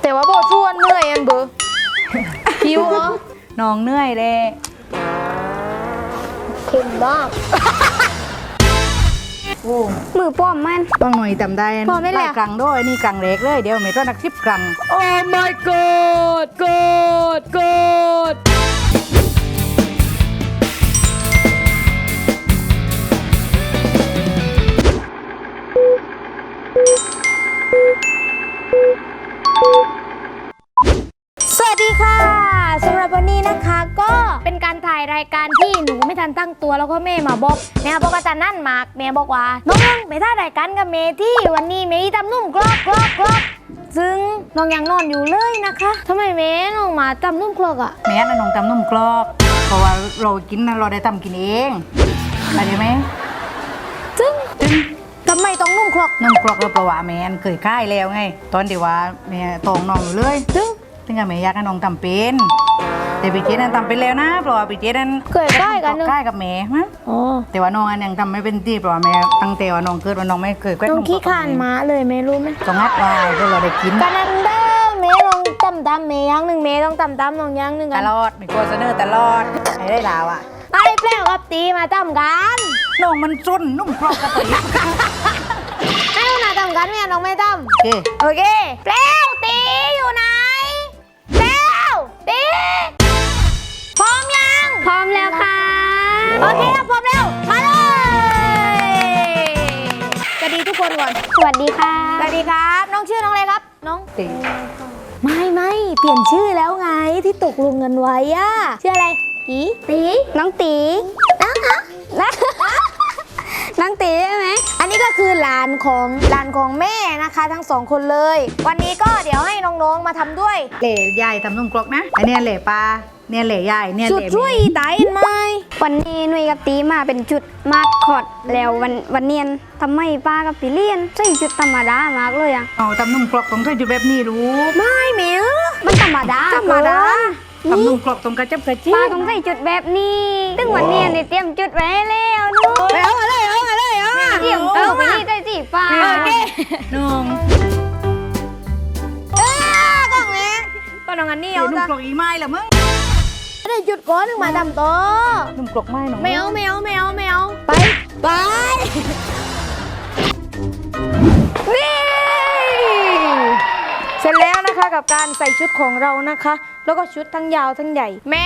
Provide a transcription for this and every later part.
แต่ว่าโบชวนเหนื่อยอันเบอร์หิวเหรอน้องเหนื่อยเลยเค็มมากโอ้มือป้อมมันต้องหน่อยจำได้พอไหมล่ะลายกลางด้วยนี่กลางเล็กเลยเดี๋ยวเมตรนักชิบกลางโอ้ my god god god สวัสดีค่ะสำหรับวันนี้นะคะก็เป็นการถ่ายรายการที่หนูไม่ทันตั้งตัวแล้วก็แม่มาบอกแม่บอกอาจารย์นั่นมากแม่บอกว่าน้องไปถ่ายรายการกับเมที่วันนี้เมย์ทำนุ่มกรอบกรอบกรอบซึ่งน้องยังนอนอยู่เลยนะคะทำไมเมย์น้องมาทำนุ่มกรอบอ่ะแม่น้องทำนุ่มกรอบเพราะว่าเรากินนะเราได้ทำกินเองอะไรไหมซึ่งทำไมต้องนุ่มกรอบนุ่มกรอบเราเพราะว่าแม่เคยค่ายแล้วไงตอนที่ว่าแม่ตองน้องอยู่เลยซึ่งซึ่งแม่อยากให้น้องทำเป็นแต่พี่เจนั้นทำเป็นแล้วนะเพราะว่าพี่เจนั้นเคยได้กันเนอะใกล้กับแม่ฮะอ๋อแต่ว่าน้องอันยังทำไม่เป็นที่เพราะว่าแม่ตั้งแต่ว่าน้องเกิดว่าน้องไม่เคยแกล้งน้องขี้ขานม้าเลยเมย์รู้ไหมต้องงัดไว้เพื่อเราได้กินกันนั้นเด้อเมย์ต้องตำเมย์อย่างหนึ่งเมย์ต้องตำน้องอย่างหนึ่งตกันลอดมีโฆษณาตลอดให้ได้ลาวอ่ะไอ้แปลวกับตีมาตำกันน้องมันจนนุ่มกรอบกระตุยให้เอาหน้าตำกันเมียน้องไม่ตโอเคำโอเคแปลวตีอยู่ไหนแปลวตีพร้อมยังพร้อมแล้วค่ะโอเคพร้อมแล้วมาเลยสวัสดีทุกคนก่อนสวัสดีค่ะสวัสดีครับน้องชื่อน้องอะไรครับน้องตีไม่เปลี่ยนชื่อแล้วไงที่ตกลงกันไว้อะชื่ออะไรตีน้องตีน้องตีใช่ไหมอันนี้ก็คือหลานของแม่นะคะทั้งสองคนเลย วันนี้ก็เดี๋ยวให้น้องๆมาทำด้วยเหล่ใหญ่ทำนุ่มกรอบนะอันเนี้ยเหล่ปลาเนี่ยเหล่ใหญ่เนี่ยจุดเหล่ช่วยตายไหมวันนี้หนุ่ยกับตีมาเป็นจุดมาดคอดแล้ววันเนียนทำไมป้ากับปีเลียนใส่จุดธรรมดามากเลยอ่ะเอาทำนุ่มกรอบต้องใช้จุดแบบนี้รู้ไม่เหมียวมันธรรมดาธรรมดาทำนุ่มกรอบตรงกระจับกระจิ๊ป้าบต้องใส่จุดแบบนี้ซึ่งวันเนียนได้เตรียมจุดไว้ให้แล้วเนูเอามาเลยเตรียมไปนี่ได้สิป้าโอเคน้องกล้องนี้ก็น้องอันนี้เดี๋ยเอาวนุ่มจ้ะกรอบอีไม้เหรอมึงได้จุดก้อนหนึ่งมาดำโตนุ่มกรอบไม้น้องแมวไปนี่เสร็จแล้วนะคะกับการใส่ชุดของเรานะคะ แล้วก็ชุดทั้งยาวทั้งใหญ่ แม่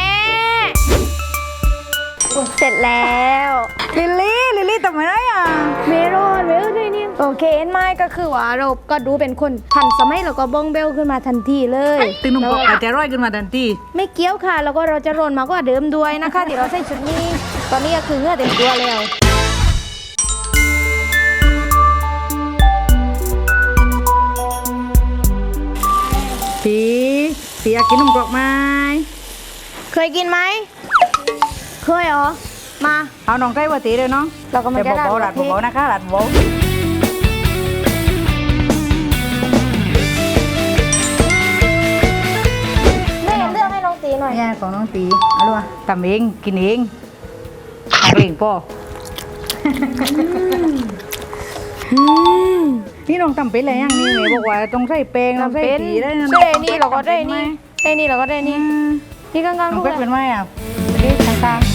เสร็จแล้วลิลลี่ทำไมได้อ่ะเมรอนเวลด้วยเนี่ยโอเคเอ็นไม้ก็คือว่าเราก็ดูเป็นคนทันสมัยแล้วก็บ้องเบลขึ้นมาทันทีเลยตึงนุ่มกรอบอาจจะร้อยขึ้นมาทันทีไม่เกี้ยวค่ะ แล้วก็เราจะโรนมากกว่าเดิมด้วยนะคะเดี๋ยวเราใส่ชุดนี้ ตอนนี้ก็คือเหงื่อเต็มตัวแล้วปีอยากกินนุ่มกรอบไหมเคยกินไหมเคยเหรอมาเอาน้องใกล้ว่าตีเลยเนาะเราก็มาแต่จะเบาๆหลัดพริกเบาๆนะคะหลัดเบาแม่เลือกให้น้องตีหน่อยเนี่ยของน้องตีเอาลูกทำเองกินเองทำเองป่อนี่น้องทำเป็นอะไรอย่างนี้แม่บอกว่าต้องใส่แป้งต้องใส่ตีได้นะใช่นี่เราก็ได้นี่ได้นี่เราก็ได้นี่นี่ข้างๆน้องลูกเป็ดอะเป็นไหมอ่ะเด็กต่าง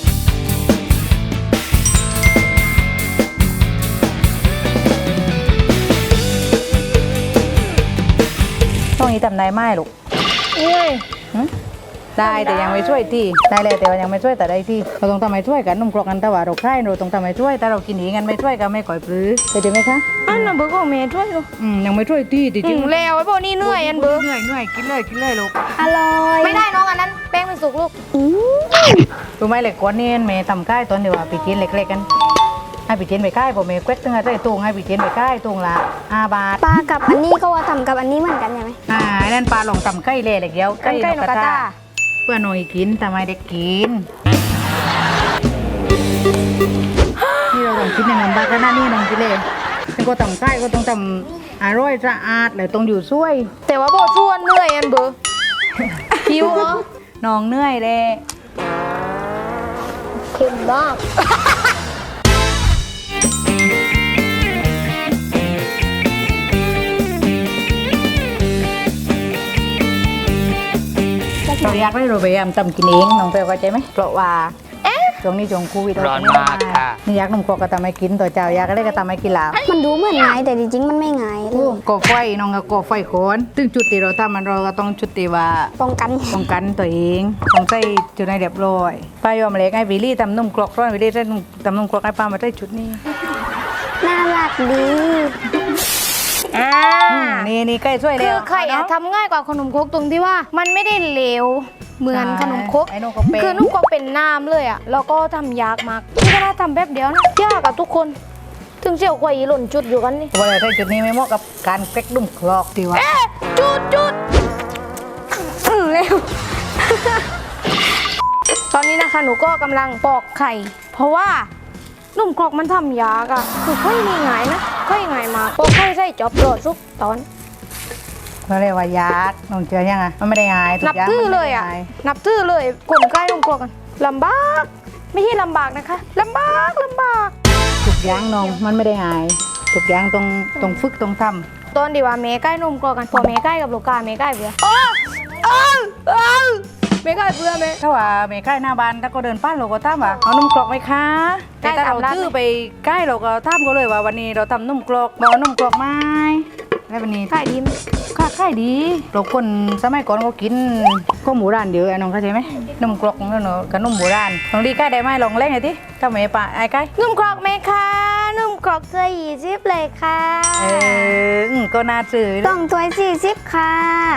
ๆต้องนี้ทำได้ไหมลูกเอ้ยได้แต่ยังไม่ช่วยที่ได้เลยแต่ว่ายังไม่ช่วยแต่ได้ที่เราต้องทำให้ช่วยกันนุ่มกรอกกันแต่ว่าเราใคร่เราต้องทำให้ช่วยแต่เรากินเองกันไม่ช่วยกันไม่ก่อยปลื้อเข้าใจไหมคะอันน่ะเบอร์ของเมย์ช่วยดูยังไม่ช่วยที่จริงๆแล้วไอ้พวกนี้เหนื่อยอันเบอร์เหนื่อยกินเลยลูกอร่อยไม่ได้น้องอันนั้นแป้งมันสุกลูกรู้ไหมเหล็กก้อนนี้เมย์ทำค่ายตอนเดียวปีกินเล็กๆกันให้ปีกินไปค่ายผมเมย์เควกตั้งแต่ตุงให้ปีกินไปค่ายตุงละ5 บาทปลากับอันนี้เขาว่าทำกับอันนี้เหมือนกันใช่ไหมนั่นปลาหลงทำไก่เล่เล็กเดียวใกล้นกกระตาเพื่อหน่อยกินทำไมเด็กกินนี่เราต้องกินในน้ำบากันนะนี่น้องกินเลยแล้วก็ทำไก่ก็ต้องทำอร่อยสะอาดแล้วต้องอยู่ช่วยแต่ว่าโบชวนเหนื่อยอันเบอร์หิวเหรอน้องเหนื่อยเลยเค็มมากเราอยากได้เราพยายามทำกินเองน้องเปลเข้าใจไหมเพราะว่าช่วงนี้ช่วงโควิดร้อนมากค่ะนี่อยากนมกรอกก็ทำให้กินตัวเจ้าอยากอะไรก็ทำให้กินแล้วมันดูเหมือนง่ายแต่จริงๆมันไม่ง่ายเลยก่อไฟน้องก็ก่อไฟโคนซึ่งจุดที่เราทำมันเราก็ต้องจุดที่ว่าป้องกันป้องกันตัวเองต้องใส่จุดในเรียบร้อยป้ายอมเล็กให้วิลลี่ทำนมกรอกร้อนวิลลี่ใส่ทำนมกรอกให้ป้ามาใส่ชุดนี้น่ารักดีนี่ใกล้ช่วยคืแล้อวไข่อะทำง่ายกว่าขนมครกตรงที่ว่ามันไม่ได้เหลวเหมือนขนมครกไอ้นมก็เป็นคือนุ่มก็เป็นน้ำเลยอะแล้วก็ทำยากมากนี่ก็น่าทำแป๊บเดียวนะยากกับทุกคน ถึงเชี่ยวกว่าอีหล่นจุดอยู่กันนี่ว่าใส่จุดนี้ไม่เหมาะกับการเป๊กนุ่มกรอกดีว่าจุดเร็ว ตอนนี้นะคะหนูก็กำลังปอกไข่ เพราะว่านุ่มกรอกมันทำยากอะคือค่อยง่ายนะค่อยง่ายมากปอกไข่ใส่จอบโดดทุกตอนเขาเรียกว่ายากน้องเจอยังไงมันไม่ได้ง่ายทุนักบอย่างทื่อมันเลไม่ยได้อ่ะง่ายนับทื่อเลยกลนใกล้ลงกลัวกันลำบาก ไม่ใช่ลำบากนะคะลำบากทุกอย่างน้องมันไม่ได้ง่ายทุกอย่างต้องฝึกต้องทำตอนดีว่าเมย์ใกล้นมกลัวกันพอเมย์ใกล้กับลูกกาเมย์ใกล้เบื่อเมย์ใกล้เบื่อเมย์ถ้าว่าไม่ใกล้หน้าบ้านถ้าก็เดินป้านเราก็ถามว่าเอานุ่มกรอกไหมคะใกล้แต่ถ้าเราตามร้านซื้อไปใกล้เราก็ถามเขาเลยว่าวันนี้เราทำนุ่มกรอกบอกว่านุ่มกรอกไหมแล้ววันนี้ใกล้ดีไหมค่ายดีเราคนสมัยก่อนเขากินข้าวหมูร้านเยอะน้องเข้าใจไหมนุ่มกรอกนั่นเนอะกับนุ่มโบราณลองดีใกล้ได้ไหมลองเล่นหน่อยดิถ้าไม่ปะไอ้ใกล้นุ่มกรอกไหมคะนุ่มกรอกเสื้อ20เลยค่ะก็น่าซื้อต้องถ้วย40ค่ะ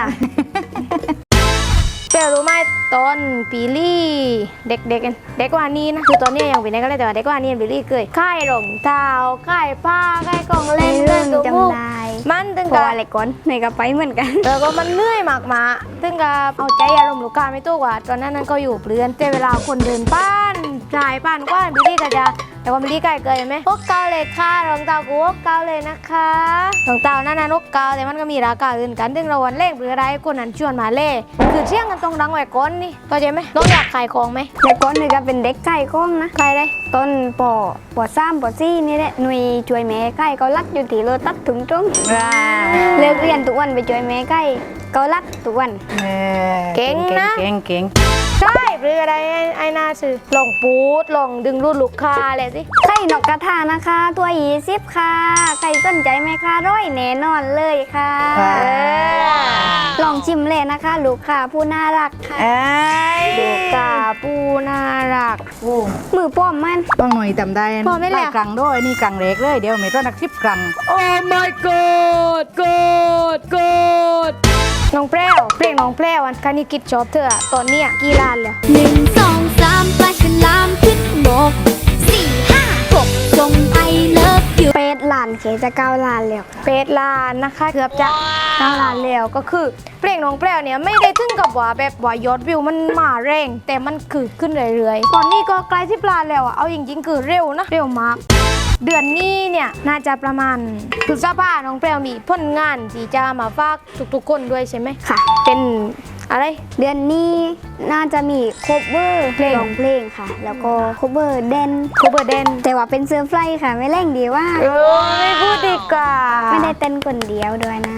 เปลรู้ไหมตอนปีลี่เด็กเด็กกว่านี้นะคือตอนนี้ยังเป็นเด็กก็เลยแต่ว่าเด็กกว่านี้ปีลี่เคยค่ายรองเท้าค่ายผ้าค่ายกล่องเล่นเรื่องค่ายกระมุกจำได้มันถึงเพราะกับอะไรก่อนในกระไปเหมือนกันแล้วก็มันเหนื่อยมากมาถึงกับเอาใจอารมณ์ลูกค้าไม่ตู้กว่าตอนนั้นก็อยู่เปลือนแต่เวลาคนเดินป้านชายป้านกว้านบิลลี่ก็จะแต่ว่าบิลลี่ใกล้เกินไหมพวกเกาเลยค่ะรองเท้ากูพวกเกาเลยนะคะรองเท้านั่นนกเกาแต่มันก็มีราคาอื่นกันถึงเราวันเล่งหรืออะไรคนนั้นชวนมาเล่คือเชี่ยงกันตรงดังไว้ก้นนี่เข้าใจไหมน้องอยากขายของไหมแต่ก่อนหนึ่งก็เป็นเด็กไก่ก้องนะใครได้ต้นปอ3ปอ4นี่แหละหน่วยช่วยแม่ไก่เขาลัดอยู่ที่รถตัดถุงตรงเลิกเรียนทุกวันไปช่วยแม่ไก่เขาลัดทุกวันเก่งเก่งใช่หรืออะไรไอ้นาซื้อลองปูดลองดึงรูดลูกค้าอะไรสิไข่นกกระทานะคะตัว20ค่ะใครสนใจไหมคะร้อยแน่นอนเลยค่ะ ลองชิมเลยนะคะ ลูกค้าผู้น่ารักค่ะลูกค้าปูน่ารักมือป้อมมันต้องหน่อยจำได้พอไหมล่ะกลางด้วยนี่กลางเล็กเลยเดี๋ยวไม่ต้องนัก10กลางโอ้ my god god น้องแพรวเพลงน้องแพรวอันคานิกิจชอบเธออะตอนเนี้ยกี่ล้านแล้ว 1 2 3ปลาฉลามขึ้นบก4 5 6ส่งไอเลิฟอยู่เป็ดหลานเคจะ9 ล้านแล้วเป็ดล้านนะคะเกือบจะ9ล้านแล้วก็คือเพลงน้องแพรวเนี่ยไม่ได้ถึงกับว่าแบบว่ายอดวิวมันมาแรงแต่มันคือขึ้นเรื่อยๆตอนนี้ก็ใกล้10 ล้านแล้วอะเอาจริงๆคือเร็วนะเร็วมาก เดือนนี้เนี่ยน่าจะประมาณพฤษภาน้องแพรวมีผลงานที่จะมาฝากทุกๆคนด้วยใช่ไหมค่ะเป็นอะไรเดือนนี้น่าจะมีโคเวอร์เพลงร้องเพลงค่ะ แล้วก็โคเวอร์เดนคูเบอร์เดนแต่ว่าเป็นเซอร์ไพรส์ค่ะ ไม่เร่งดีว่าไม่พูดดีกว่าไม่ได้เต้นคนเดียวด้วยนะ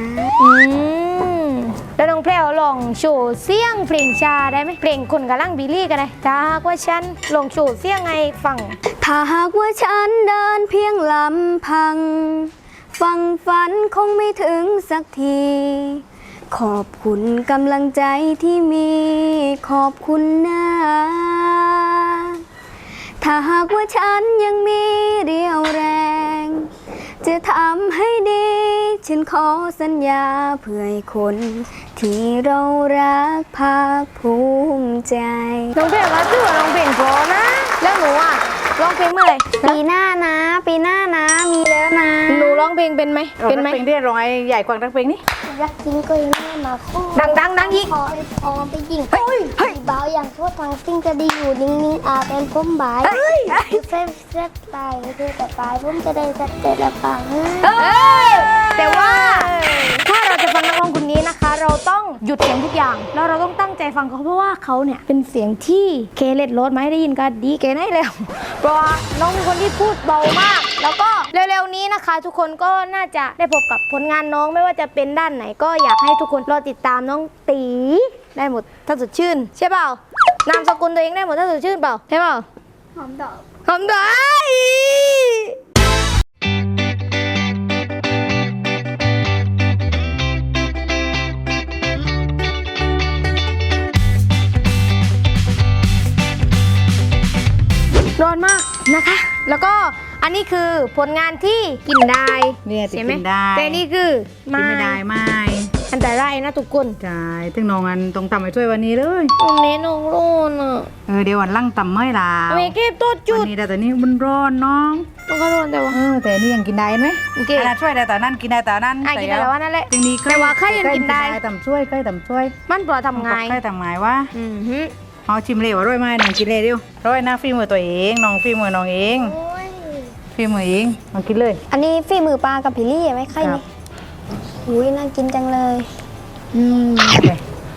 แล้วน้องแพรวลองโชว์เสียงเพลงชาได้ไหมเพลงคนกำลังบิลลี่ก็ได้ถ้าหากว่าฉันลองโชว์เสียงไงฟังถ้าหากว่าฉันเดินเพียงลำพัง ฟังฝันคงไม่ถึงสักที ขอบคุณกำลังใจที่มี ขอบคุณนะ ถ้าหากว่าฉันยังมีเรี่ยวแรง จะทำให้ดี ฉันขอสัญญาเพื่อให้คนที่เรารักภาคภูมิใจน้องแพรวก็ถือว่าน้องเพลงเพราะนะ แล้วหนูอ่ะร้องเพลงเมื่อไหร่ปีหน้านะ ปีหน้านะ มีแล้วนะหนูร้องเพลงเป็นไหมเป็นไหมเพลงที่ร้องไอ้ใหญ่กว่าทั้งเพลงนี้รักจริงก็ยังไม่มาคู่ดังอีกขอให้พอไปยิงสีเบาอย่างทั่วทางสิ่งจะดีอยู่นิ่งๆอาเป็นพุ่มบายเซฟเซฟตายคือแต่ปลายพุ่มจะได้สักเจ็ดละปังแต่ว่าถ้าเราจะฟังนักร้องคนนี้นะคะ เราต้องหยุดเสียงทุกอย่าง แล้วเราต้องตั้งใจฟังเขาเพราะว่าเขาเนี่ยเป็นเสียงที่เคเลตโรดมาให้ได้ยินกันดีเกนให้แล้ว เพราะว่าน้องเป็นคนที่พูดเบามาก แล้วก็เร็วๆนี้นะคะ ทุกคนก็น่าจะได้พบกับผลงานน้องไม่ว่าจะเป็นด้านไหนก็อยากให้ทุกคนรอติดตามน้องตีได้หมดถ้าสดชื่นใช่เปล่านามสกุลตัวเองได้หมดถ้าสดชื่นเปล่าใช่เปล่าหอมดอกหอมได้ร้อนมากนะคะ แล้วก็อันนี้คือผลงานที่กินได้เนี่ยติดใช่ไหมกินได้แต่นี่คือกินไม่ได้ไม่อันตรายนะทุกคนใช่ถึงน้องอันต้องทำให้ช่วยวันนี้เลยตรงนี้น้องร้อนอ่ะเดี๋ยววันหลั่งตำไม่ลาวเมเก็บตัวจุวัดนนี้แต่นี่มันร้อนน้องมันก็ร้อนแต่ว่าแต่นี่ยังกินได้ไหมโอเคขนาดช่วยได้แต่นั่นกินได้แต่นั่นกินได้แต่ว่านั่นแหละจริงดีแต่ว่าไข่ยังกินได้ต่ำช่วยใกล้ต่ำช่วยมันปลอดทำไงใกล้ต่ำไงวะอือหือเอาชิมเลยว่าร้อยไหมน้องกินเลยเดียวร้อยหน้าฝีมือตัวเองน้องฝีมือน้องเองโอ้ยฝีมือเองน้องกินเลยอันนี้ฝีมือปลากับพิลี่ไหมไข่ครันี่บอุ้ยน่ากินจังเลยโอเค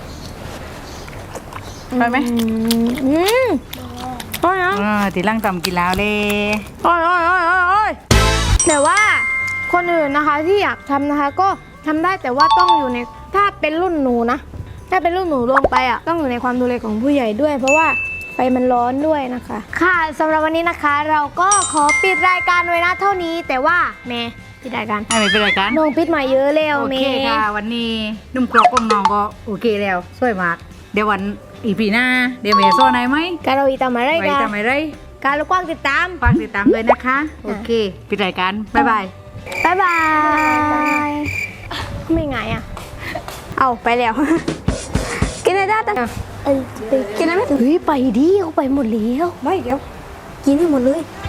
ไปไหมอืมโอ้ยนะตีล่างต่ำกินแล้วเลยโอ้ยโอ้ยโอ้ยโอ้ยโอ้ยแต่ว่าคนอื่นนะคะที่อยากทำนะคะ ก็ทำได้แต่ว่าต้องอยู่ในถ้าเป็นรุ่นหนูนะ ถ้าเป็นรุ่นหนูลงไปอ่ะต้องอยู่ในความดูแลของผู้ใหญ่ด้วย เพราะว่าไฟมันร้อนด้วยนะคะ ค่ะสำหรับวันนี้นะคะ เราก็ขอปิดรายการไว้นะเท่านี้ แต่ว่าแม่ปิดรายการให้ไปเป็นรายการน้องปิดมาเยอะแล้วโอแม่เคค่ะวันนี้นุ่มกรอบของน้องก็โอเคแล้วสวยมากเดี๋ยววันอีพีหน้าเดี๋ยวเมย์โซ่ไหนไหมการเราอีตามมาได้ไว้กันทำอะไรการเรากว้างติดตามฝากติดตามด้วยนะคะ โอเคปิดรายการบ๊ายบายบ๊ายบายไม่ไงอ่ะ เอาไปแล้ว กินอะไรได้ตั้งกินอะไรไม่ถึงเฮ้ยไปดิเขาไปหมดแล้วไม่เดี๋ยว กินให้หมดเลย